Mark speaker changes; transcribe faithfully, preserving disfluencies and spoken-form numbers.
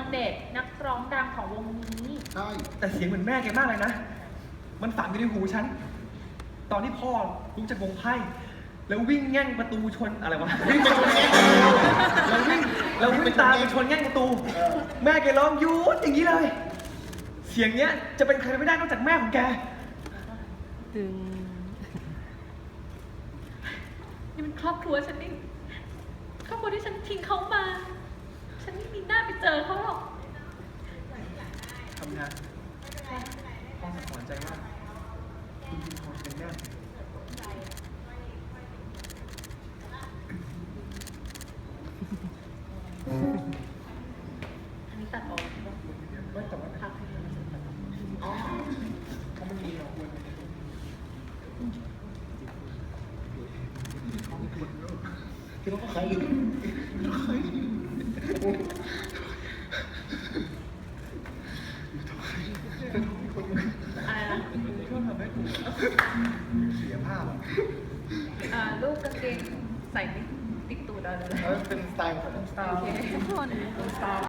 Speaker 1: เดชนักร้องดังของวงนี้
Speaker 2: ใช่
Speaker 3: แต่เสียงเหมือนแม่แกมากเลยนะ มันฝังอยู่ในหูฉัน ตอนที่พ่อลุกจากวงไพ่แล้ววิ่งแง่งประตูชนอะไรวะ
Speaker 2: วิ่งไปชนแง่ง
Speaker 3: แล้ววิ่งแล้ววิ่งตามไปชนแง่งประตู
Speaker 2: เออ
Speaker 3: แม่แกร้องหยุดอย่างนี้เลย เสียงเนี้ยจะเป็นใครไม่ได้นอกจากแม่ของแก
Speaker 4: ตึง
Speaker 1: นี่มันครอบครัวฉันนี่ครอบครัวที่ฉันทิ้งเขามา ฉันไม่มีหน้าไปเจอเขาหรอก
Speaker 3: ทำงานพ่อสอนใจว่าคุณพิมพรเป็นแม่
Speaker 1: อันนี้ตัดออก
Speaker 3: ไม่แต่ว่า
Speaker 1: พักให้มันเสร็จก่อน
Speaker 3: อ๋อเพราะมันมีเราควรคือต้องใคร
Speaker 1: อะไรนะ
Speaker 3: ช่วยทำให้กูเสียภาพอ่ะ
Speaker 1: อ่าลูกกางเกงใส่ไม่ติดตูดเราเลย
Speaker 2: แล้วเป็นสไตล์ของผม
Speaker 1: โอเค
Speaker 4: ทุกคน